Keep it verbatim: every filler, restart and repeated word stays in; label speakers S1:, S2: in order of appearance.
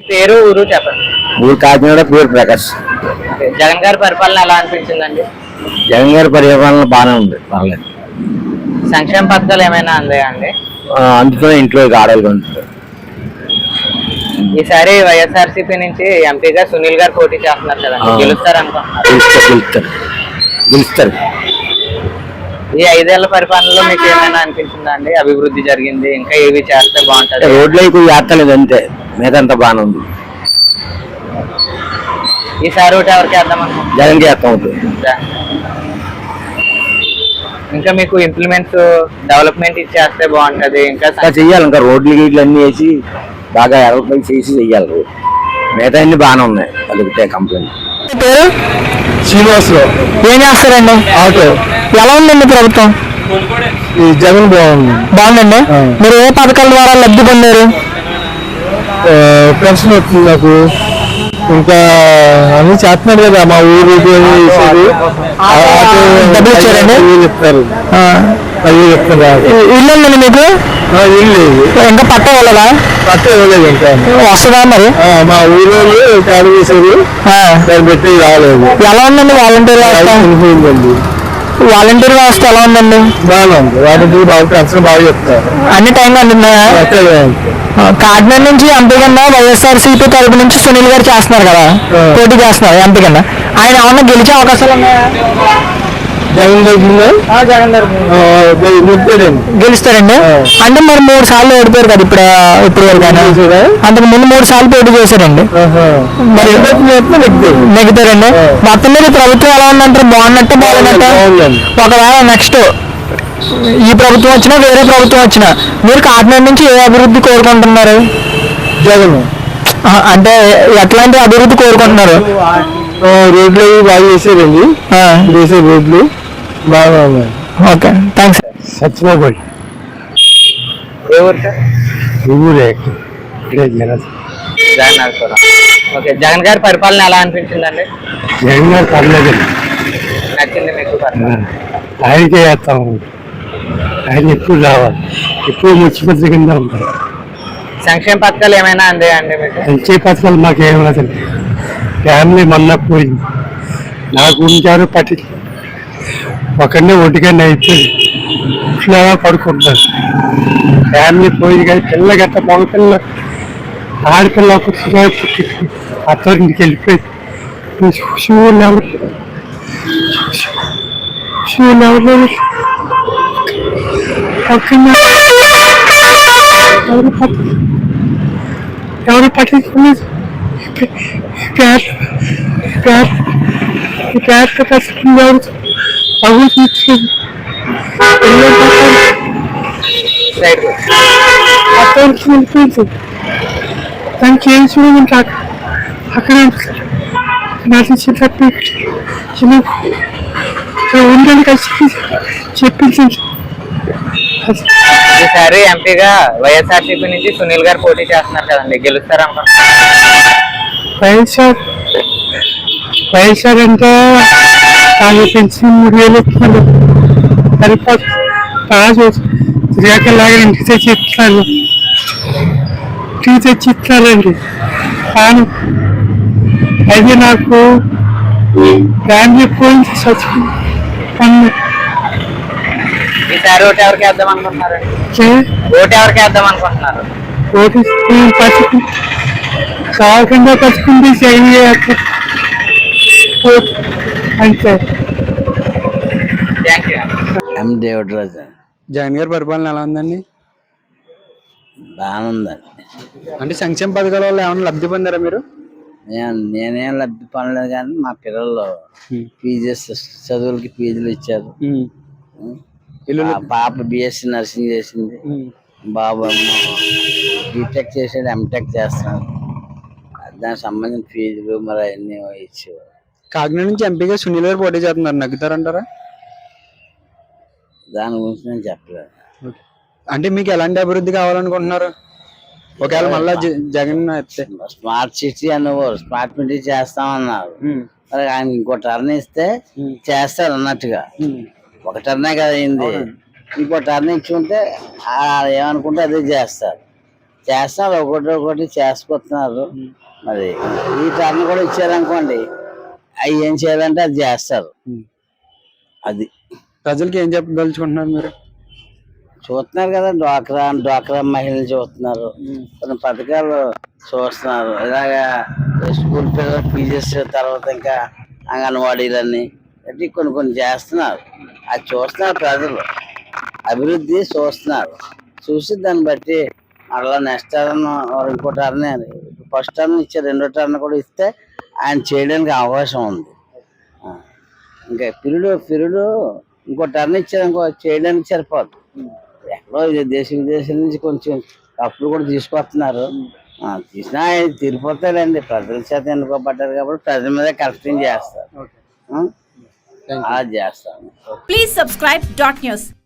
S1: పేరు ఊరు చెప్పండి.
S2: ఊరు కాకినాడ, పేరు ప్రకాష్.
S1: జగన్ గారి పరిపాలన ఎలా అనిపించిందండి?
S2: జగన్ గారి పరిపాలన బాగానే ఉంది, పర్లేదు.
S1: సంక్షేమ పథకాలు ఏమైనా అందాయా అండి?
S2: అందుతో ఇంట్లో ఆడవాళ్ళు ఉంటుంది.
S1: ఈసారి వైఎస్ఆర్సీపీ నుంచి ఎంపీగా సునీల్ గారు పోటీ చేస్తున్నారు కదండి, గెలుస్తారు అనుకుంటున్నారు?
S2: గెలుస్తారు గెలుస్తారు
S1: ఈ ఐదేళ్ల పరిపాలనలో మీకు ఏమైనా అనిపించిందా అండి? అభివృద్ధి జరిగింది, ఇంకా ఏవి చేస్తే బాగుంటుంది?
S2: రోడ్లు ఎక్కువ చేస్తలేదు అంతే, మిగతా బాగానే ఉంది.
S1: ఈసారి ఒకటి ఎవరికి వేద్దాం అనుకుంటున్నారు?
S2: జగన్ చేస్తాం అవుతుంది.
S1: ఇంకా మీకు ఇంప్లిమెంట్స్ డెవలప్మెంట్ ఇచ్చేస్తే బాగుంటది. ఇంకా
S2: చెయ్యాలి, ఇంకా రోడ్లు గీట్లు అన్ని వేసి బాగా డెవలప్మెంట్ చేసి చెయ్యాలి. రోడ్ మిగతా అన్ని బాగానే ఉన్నాయి, అదొకటే కంప్లైంట్.
S3: పేరు
S2: శ్రీనివాసరావు.
S3: ఏం చేస్తారండి?
S2: ఆటో.
S3: ఎలా ఉందండి ప్రభుత్వం?
S2: ఈ జగన్ బాగుంది.
S3: బాగుందండి. మీరు ఏ పథకాల ద్వారా లబ్ధి పొందారు?
S2: పెన్షన్ వస్తుంది నాకు, ఇంకా అన్ని చేస్తున్నాడు కదా మా ఊరు.
S3: డబ్బులు ఇచ్చారండి?
S2: చెప్తారు
S3: ఇల్లు ఉందండి మీకు?
S2: ఇల్లు
S3: ఇంకా పట్ట ఇవ్వలేదా?
S2: పట్ట ఇవ్వలేదు ఇంకా.
S3: వస్తుందా మరి?
S2: మా ఊరు కాడు చేసేది దాన్ని పెట్టి రాలేదు.
S3: ఎలా ఉందండి వాలంటీర్ వ్యవస్థ?
S2: అనిపోయిందండి.
S3: వాలంటీర్ వ్యవస్థ ఎలా ఉందండి?
S2: బాగా ఉంది. వాలంటీర్ బాగా పెన్షన్ బాగా చెప్తారు,
S3: అన్ని టైంలో అందుతున్నాయా? కాకినాడ నుంచి ఎంపీ కింద వైఎస్ఆర్సీపీ తరపు నుంచి సునీల్ గారు చేస్తున్నారు కదా, పోటీ చేస్తున్నారు ఎంపీ కింద. ఆయన ఏమన్నా గెలిచే అవకాశాలు ఉన్నాయా?
S2: జగన్
S3: జగన్ గెలుస్తారండి. అంటే మరి మూడు సార్లు ఓడిపోయారు కదా ఇప్పుడు ఇప్పుడు వరకు. అంతకు ముందు మూడు సార్లు పోటీ చేశారండి, మరి నెగ్గుతారండి. మొత్తం మీద ప్రభుత్వం ఎలా ఉందంటారు? బాగున్నట్టు బాగున్నట్టు? ఒకవేళ నెక్స్ట్ ఈ ప్రభుత్వం వచ్చినా వేరే ప్రభుత్వం వచ్చినా మీరు కాకినాడ నుంచి ఏ అభివృద్ధి కోరుకుంటున్నారు?
S2: జగన్
S3: అంటే ఎట్లాంటి అభివృద్ధి కోరుకుంటున్నారు?
S2: రోడ్లు బాగా చేసారండి, చేసే రోడ్లు బాగా ఉన్నాయి.
S3: Okay, thanks.
S2: సత్యనారాయణ.
S1: ఏ ఊరు సార్?
S2: ఊరే
S1: జగన్. ఓకే, జగన్ గారి పరిపాలన ఎలా అనిపించిందండి?
S2: జగన్ గారు పర్లేదండి,
S1: నచ్చింది మీకు?
S2: ఆయనకే చేస్తాము, ఆయన ఎప్పుడు రావాలి, ఎప్పుడు ముఖ్యమంత్రి కింద ఉంటారు.
S1: సంక్షేమ పథకాలు ఏమైనా అందాయా అండి మీకు?
S2: సంక్షేమ పథకాలు మాకు ఏమైనా ఫ్యామిలీ మొన్న పోయింది, నాకు ఉంచారు పట్టి ఒకరినే ఒంటికన్నా అయిపోయింది, ఇట్లా పడుకుంటారు. ఫ్యామిలీ పోయింది కానీ పిల్ల గట్ట మగ పిల్ల ఆడపిల్ల పుట్టిన పుట్టి అత్తవారింటికి వెళ్ళిపోయింది. షూలు ఎవరు షూలు ఎవరు ఎవరు పట్టించుకోలేదు. పేరు పేరు పేరుతో కష్టం ఎవరు అవి తీర్చేది అత్తవారికి వెళ్ళిపోయింది. దానికి ఏం చూడమంటే అక్కడ నటించేటట్టు ఉందని కలిసి చెప్పించింది.
S1: ఈసారి ఎంపీగా వైఎస్ఆర్సీపీ నుంచి సునీల్ గారు పోటీ చేస్తున్నారు కదండి, గెలుస్తారు అనుకుంటున్నారు?
S2: వైఎస్ఆర్ వైఎస్ఆర్ అంటే ఆయన పెన్షన్ మూడు వేలు ఇస్తున్నారు, సరిపోతుంది. రాజు శ్రీకాకుళంలాగా ఇంటికి తెచ్చి ఇస్తున్నారు, ఇంటికి తెచ్చి ఇస్తున్నారండి. కానీ అది నాకు ఫ్యామిలీ పోయింది, చచ్చిపోయింది.
S1: ఈసారి ఓటు ఎవరికి వేద్దాం అనుకుంటున్నారు? ఓటు ఎవరికి వేద్దాం అనుకుంటున్నారు?
S2: ఓటు పచ్చుకు కాకుండా పచ్చుకుంటే చేయి అంతే.
S1: ఎం దేవుడిరాజు.
S3: జగన్ గారి పరిపాలన ఎలా ఉందండి?
S1: బాగానే ఉందండి.
S3: అంటే సంక్షేమ పథకాల వల్ల ఏమైనా లబ్ధి పొందారా మీరు?
S1: నేనేం లబ్ధి పొందలేదు కానీ మా పిల్లలు పీజీ చదువులకి ఫీజులు ఇచ్చారు. పాప బిఎస్సి నర్సింగ్ చేసింది, బాబు బీటెక్ చేసాడు, ఎంటెక్ చేస్తున్నాడు. దానికి సంబంధించిన ఫీజులు మరి అవన్నీ ఇచ్చేవారు.
S3: కాకినాడ నుంచి ఎంపీగా సునీల్ గారు పోటీ చేస్తున్నారు, నగ్గుతారంటారా?
S1: దాని గురించి నేను చెప్పలేదు.
S3: అంటే మీకు ఎలాంటి అభివృద్ధి కావాలనుకుంటున్నారు? ఒకవేళ మళ్ళా జగన్
S1: స్మార్ట్ సిటీ అనేవారు, స్మార్ట్ సిటీ చేస్తామన్నారు. మరి ఆయన ఇంకో టర్న్ ఇస్తే చేస్తారు అన్నట్టుగా. ఒక టర్నే కదా అయింది, ఇంకో టర్న్ ఇచ్చి ఉంటే ఏమనుకుంటే అదే చేస్తారు. చేస్తున్నారు, ఒకటి ఒకటి చేసుకొస్తున్నారు. మరి ఈ టర్న్ కూడా ఇచ్చారనుకోండి, అవి ఏం చేయాలంటే అది చేస్తారు. అది
S4: ప్రజలకి ఏం చెప్పదలుచుకుంటున్నారు మీరు?
S1: చూస్తున్నారు కదా, డ్వాక్రా డ్వాక్రా మహిళలు చూస్తున్నారు, కొన్ని పథకాలు చూస్తున్నారు. ఇలాగా స్కూల్ పిల్లలు పీజెస్, తర్వాత ఇంకా అంగన్వాడీలన్నీ అంటే కొన్ని కొన్ని చేస్తున్నారు. అది చూస్తున్నారు ప్రజలు, అభివృద్ధి చూస్తున్నారు. చూసి దాన్ని బట్టి మళ్ళా నెక్స్ట్ టర్న్ ఇంకో టర్న్, ఫస్ట్ టర్న్ ఇచ్చే రెండో టర్న్ కూడా ఇస్తే ఆయన చేయడానికి అవకాశం ఉంది. ఇంకా పిరుడు పిరుడు ఇంకో టర్న్ ఇచ్చారనుకో చేయడానికి సరిపోదు. ఎక్కడో దేశ విదేశాల నుంచి కొంచెం అప్పులు కూడా తీసుకొస్తున్నారు. తీసినా తీరిపోతారండి, ప్రజల చేత ఎన్నుకోబడ్డారు కాబట్టి ప్రజల మీద కరెక్టింగ్ చేస్తారు. అది చేస్తాను.
S5: Please subscribe dot news.